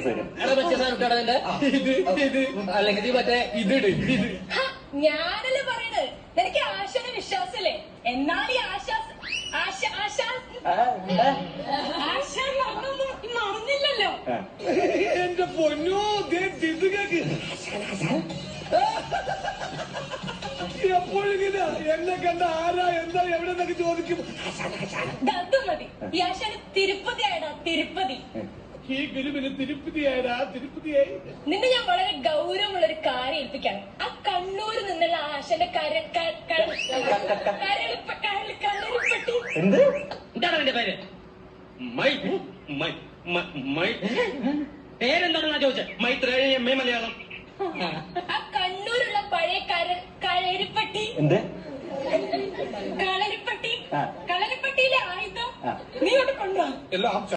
അല്ലെങ്കിൽ മറ്റേ ഇതിട് ഞാനല്ലേ പറയണത്. എനിക്ക് ആശാന വിശ്വാസല്ലേ. എന്നാൽ ഈ ആശാൻ മറന്നില്ലല്ലോ. എന്റെ പൊന്നോ കേക്ക് എപ്പോഴിങ്ങനെ എന്നെ കണ്ട ആരാ എന്താ എവിടെ നിന്നൊക്കെ ചോദിക്കും. അത് മതി. ഈ ആശാന് തിരുപ്പതി ആയടാ, തിരുപ്പതി. ഈ ഗുരുവിന് തിരുപ്പതിയായടാ, തിരുപ്പതിയായി. നിന്നെ ഞാൻ വളരെ ഗൗരവമുള്ള ഒരു കാര്യം ഏൽപ്പിക്കാണ്. ആ കണ്ണൂരിൽ നിന്നുള്ള ആശാന്റെ എന്ത് എന്താണ് എന്റെ പേര്? പേരെന്താണെന്നാ ചോദിച്ചത്? Maitreya M A Malayalam. ആ കണ്ണൂരുള്ള പഴയ കളരിപ്പട്ടി. എന്ത് കളരിപ്പട്ടിയിലെ ആയുധം നീ കൊണ്ട് കൊണ്ടുപോവാ. എല്ലാം